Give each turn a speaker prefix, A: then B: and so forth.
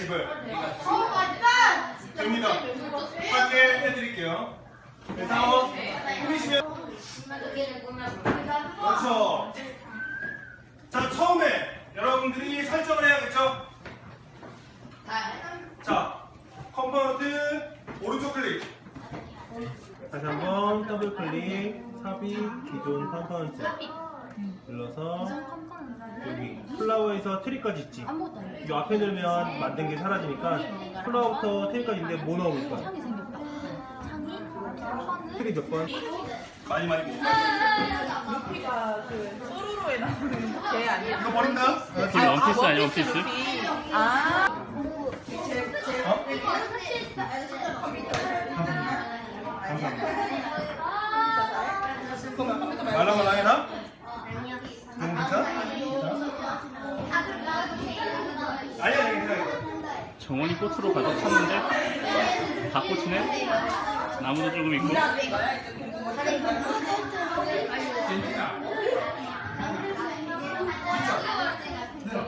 A: 집을. 됩니다. 함께 해드릴게요. 그래서 꾸미시면 그렇죠. 자, 처음에 여러분들이 설정을 해야겠죠? 자, 컴포넌트 오른쪽 클릭. 다시 한번 더블 클릭. 삽입 기존 컴포넌트 눌러서 여기 플라워에서 트리까지 있지. 이 앞에 넣으면 만든 게 사라지니까 플라워부터 트리까지 있는데 뭐 넣을 거야? 트리 몇 번? 많이 먹어.
B: 루피가 그 소로로에 나오는 걔 아니야?
A: 이거 버린다?
C: 지금 원피스 아니야 원피스?
B: 아.
A: 어? 말랑말랑해나? 너무 괜찮아? 아니야, 괜찮아.
C: 정원이 꽃으로 가득 찼는데 다 꽃이네? 나무도 조금 있고.